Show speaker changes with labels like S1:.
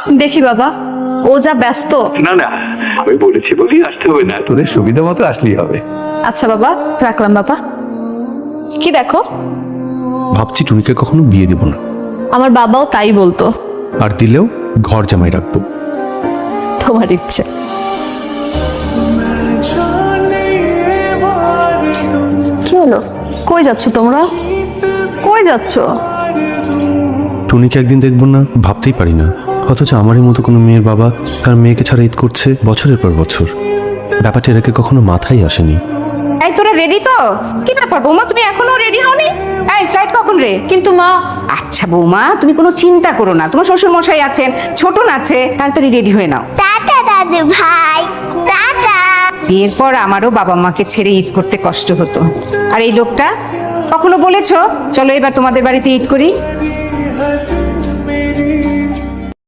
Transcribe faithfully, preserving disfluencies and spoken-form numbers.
S1: দেখি বাবা, ও যা ব্যস্ত।
S2: না না, আমি বলেছি বলি আসতে হবে না, তোদের সুবিধা মতো আসলেই হবে।
S1: আচ্ছা বাবা, রাখলাম বাবা। কি দেখো?
S3: ভাবছি টুনিকে কখনো বিয়ে দেব না,
S1: আমার বাবাও তাই বলতো।
S3: আর দিলেও ঘর জামাই রাখবো।
S1: তোমার ইচ্ছে। কি হলো? কই যাচ্ছ তোমরা? কই যাচ্ছ?
S3: টুনিকে একদিন দেখবো না ভাবতেই পারি না, অথচ আমারই মতো কোনো মেয়ের বাবা তার মেয়েকে ছাড়া ঈদ করছে বছরের পর বছর। ব্যাপারটা এর আগে কখনো মাথায় আসেনি।
S4: এই তোরা রেডি তো? কি ব্যাপার বৌমা, তুমি এখনো রেডি হওনি? এই ফ্লাইট কখন রে?
S1: কিন্তু মা।
S4: আচ্ছা বৌমা, তুমি কোনো চিন্তা করো না, তোমার শ্বশুর মশাই আছেন, ছোটন আছে, তাড়াতাড়ি রেডি হয়ে নাও।
S5: টাটা দাদু ভাই, টাটা।
S4: বিয়ের পর আমারও বাবা মাকে ছেড়ে ঈদ করতে কষ্ট হতো। আর এই লোকটা কখনো বলেছো চলো এবার তোমাদের বাড়িতে ঈদ করি?